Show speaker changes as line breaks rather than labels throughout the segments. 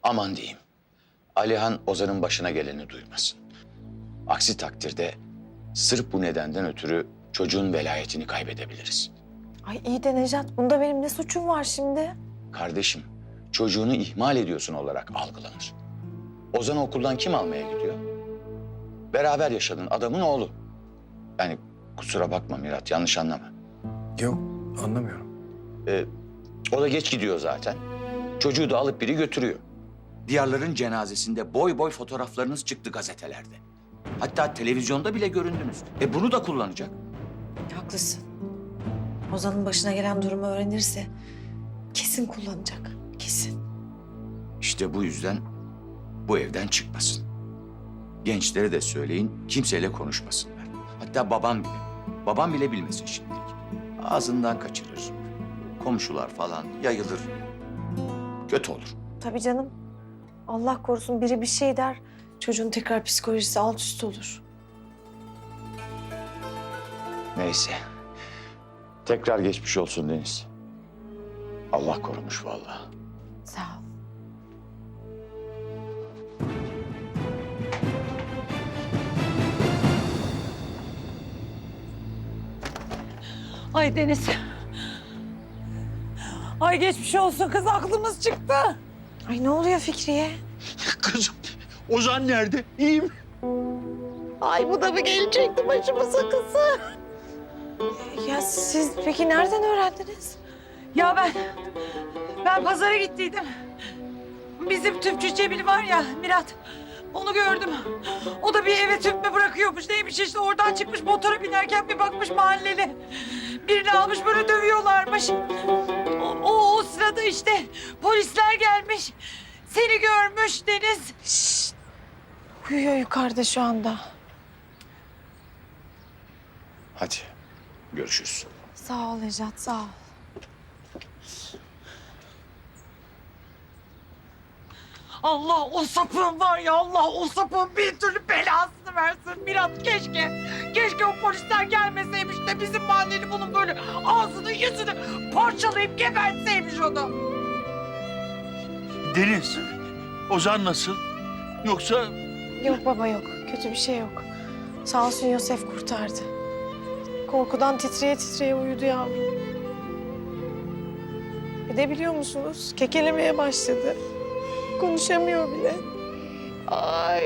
Aman diyeyim. Alihan Ozan'ın başına geleni duymasın. Aksi takdirde sırf bu nedenden ötürü çocuğun velayetini kaybedebiliriz.
Ay iyi de Nejat, bunda benim ne suçum var şimdi?
Kardeşim, çocuğunu ihmal ediyorsun olarak algılanır. Ozan'ı okuldan kim almaya gidiyor? Beraber yaşadığın adamın oğlu. Yani kusura bakma Mirat, yanlış anlama.
Yok, anlamıyorum.
O da geç gidiyor zaten. Çocuğu da alıp biri götürüyor. Diyarların cenazesinde boy boy fotoğraflarınız çıktı gazetelerde. Hatta televizyonda bile göründünüz. Bunu da kullanacak.
Haklısın. Ozan'ın başına gelen durumu öğrenirse kesin kullanacak. Kesin.
İşte bu yüzden bu evden çıkmasın. Gençlere de söyleyin, kimseyle konuşmasınlar. Hatta babam bile bilmesin şimdilik. Ağzından kaçırır. Komşular falan yayılır. Kötü olur.
Tabii canım. Allah korusun biri bir şey der, çocuğun tekrar psikolojisi alt üst olur.
Neyse. Tekrar geçmiş olsun Deniz. Allah korumuş vallahi.
Sağ ol.
Ay Deniz. Ay geçmiş olsun kız, aklımız çıktı.
Ay ne oluyor Fikriye?
Kızım, Ozan nerede? İyi mi?
Ay bu da mı gelecekti başımıza kızı?
Ya siz peki nereden öğrendiniz?
Ya ben pazara gittiydim. Bizim tüpçü Cemil var ya Mirat. Onu gördüm. O da bir eve tüp mü bırakıyormuş neymiş işte, oradan çıkmış motora binerken bir bakmış mahalleli. Birini almış böyle dövüyorlarmış. O sırada işte polisler gelmiş. Seni görmüş Deniz.
Uyuyor yukarıda şu anda.
Hadi görüşürüz.
Sağ ol Nejat, sağ ol.
Allah o sapığın var ya, Allah o sapığın bir türlü belasını versin Mirat, keşke. Keşke o polisler gelmeseymiş de bizim mahalleli bunun böyle ağzını yüzünü parçalayıp gebertseymiş onu.
Deniz, Ozan nasıl? Yoksa
Yok baba yok, kötü bir şey yok. Sağ olsun Yosef kurtardı. Korkudan titreye titreye uyudu yavrum. Bir de biliyor musunuz, kekelemeye başladı. Konuşamıyor bile.
Ay.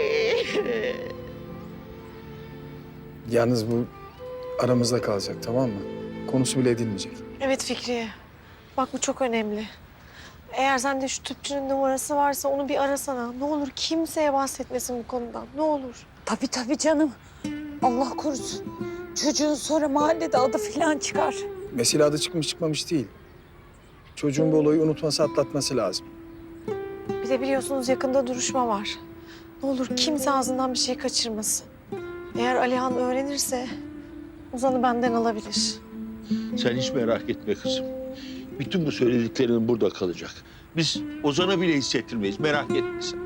Yalnız bu aramızda kalacak, tamam mı? Konusu bile edilmeyecek.
Evet Fikriye, bak bu çok önemli. Eğer sende şu tüpçünün numarası varsa onu bir arasana. Ne olur kimseye bahsetmesin bu konudan, ne olur.
Tabii canım. Allah korusun. Çocuğun sonra mahallede adı falan çıkar.
Mesele adı çıkmış çıkmamış değil. Çocuğun bu olayı unutması, atlatması lazım.
Bir de biliyorsunuz yakında duruşma var. Ne olur kimse ağzından bir şey kaçırmasın. Eğer Alihan öğrenirse Ozan'ı benden alabilir.
sen hiç merak etme kızım. Bütün bu söylediklerin burada kalacak. Biz Ozan'a bile hissettirmeyiz, merak etme sen.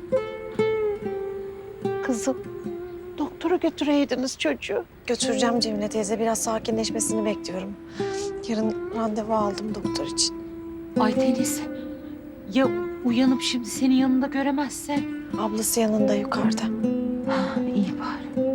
Kızım, doktora götüreydiniz çocuğu.
Götüreceğim Cemile teyze. Biraz sakinleşmesini bekliyorum. Yarın randevu aldım doktor için.
Ay Deniz, ya uyanıp şimdi senin yanında göremezse?
Ablası yanında yukarıda.
İyi bari.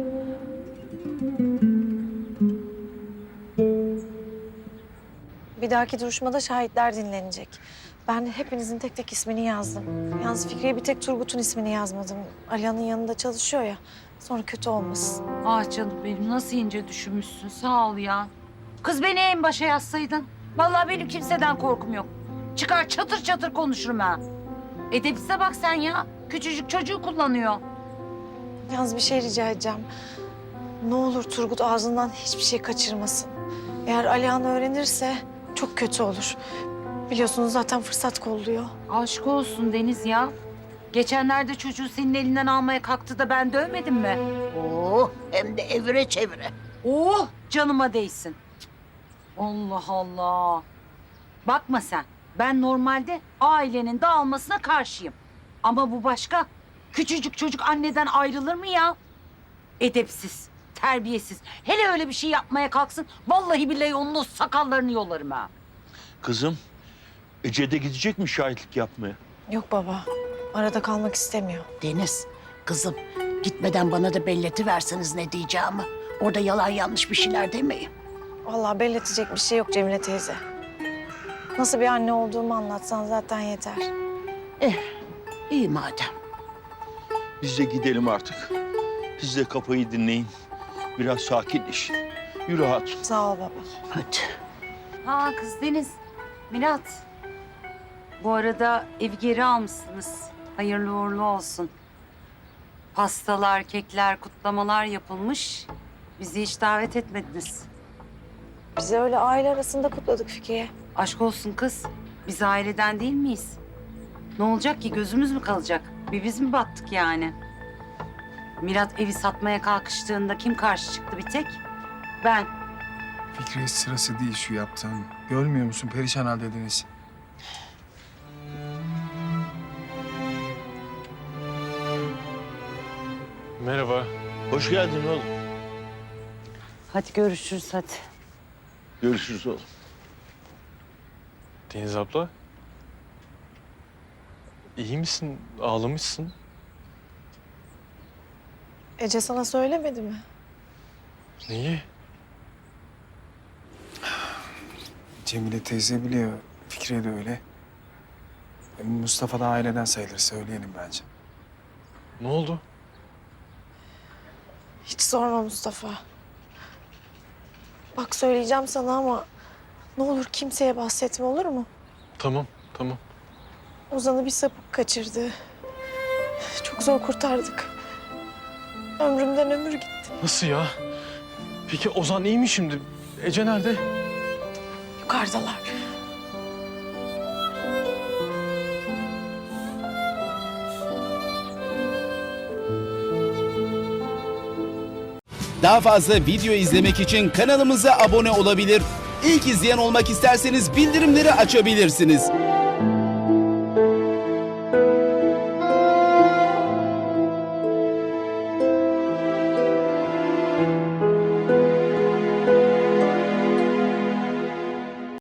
Bir dahaki duruşmada şahitler dinlenecek. Ben hepinizin tek tek ismini yazdım. Yalnız Fikriye bir tek Turgut'un ismini yazmadım. Alihan'ın yanında çalışıyor ya. Sonra kötü olmasın.
Ah canım benim, nasıl ince düşünmüşsün, sağ ol ya. Kız beni en başa yazsaydın. Vallahi benim kimseden korkum yok. Çıkar çatır çatır konuşurum ha. Edepsize bak sen ya. Küçücük çocuğu kullanıyor.
Yalnız bir şey rica edeceğim. Ne olur Turgut ağzından hiçbir şey kaçırmasın. Eğer Alihan öğrenirse çok kötü olur. Biliyorsunuz zaten fırsat kolluyor.
Aşk olsun Deniz ya. Geçenlerde çocuğu senin elinden almaya kalktı da ben dövmedim mi?
Oh, hem de evire çevire.
Oh, canıma değsin. Allah Allah. Bakma sen. Ben normalde ailenin dağılmasına karşıyım. Ama bu başka. Küçücük çocuk anneden ayrılır mı ya? Edepsiz, terbiyesiz. Hele öyle bir şey yapmaya kalksın. Vallahi billahi onun o sakallarını yolarım ha.
Kızım, Ece de gidecek mi şahitlik yapmaya?
Yok baba. Arada kalmak istemiyor.
Deniz, kızım gitmeden bana da belletiverseniz ne diyeceğimi. Orada yalan yanlış bir şeyler demeyin.
Vallahi belletecek bir şey yok Cemile teyze. Nasıl bir anne olduğumu anlatsan zaten yeter.
İyi madem.
Biz de gidelim artık. Siz de kafayı dinleyin. Biraz sakinleşin. Yürü hatun.
Sağ ol baba.
Hadi.
Ha kız Deniz, Mirat. Bu arada evi geri almışsınız. Hayırlı uğurlu olsun. Pastalar, kekler, kutlamalar yapılmış. Bizi hiç davet etmediniz.
Biz öyle aile arasında kutladık Fikriye.
Aşk olsun kız. Biz aileden değil miyiz? Ne olacak ki? Gözümüz mü kalacak? Bir biz mi battık yani? Mirat evi satmaya kalkıştığında kim karşı çıktı bir tek? Ben.
Fikri sırası değil şu yaptığın. Görmüyor musun? Perişan halde Deniz.
Merhaba.
Hoş geldin oğlum.
Hadi görüşürüz hadi.
Görüşürüz oğlum.
Deniz abla. İyi misin? Ağlamışsın.
Ece sana söylemedi mi?
Neyi?
Cemile teyze biliyor. Fikriye de öyle. Mustafa da aileden sayılır. Söyleyelim bence.
Ne oldu?
Hiç sorma Mustafa. Bak söyleyeceğim sana ama ne olur kimseye bahsetme, olur mu?
Tamam, tamam.
Ozan'ı bir sapık kaçırdı. Çok zor kurtardık. Ömrümden ömür gitti.
Nasıl ya? Peki Ozan iyi mi şimdi? Ece nerede?
Yukarıdalar.
Daha fazla video izlemek için kanalımıza abone olabilir. İlk izleyen olmak isterseniz bildirimleri açabilirsiniz.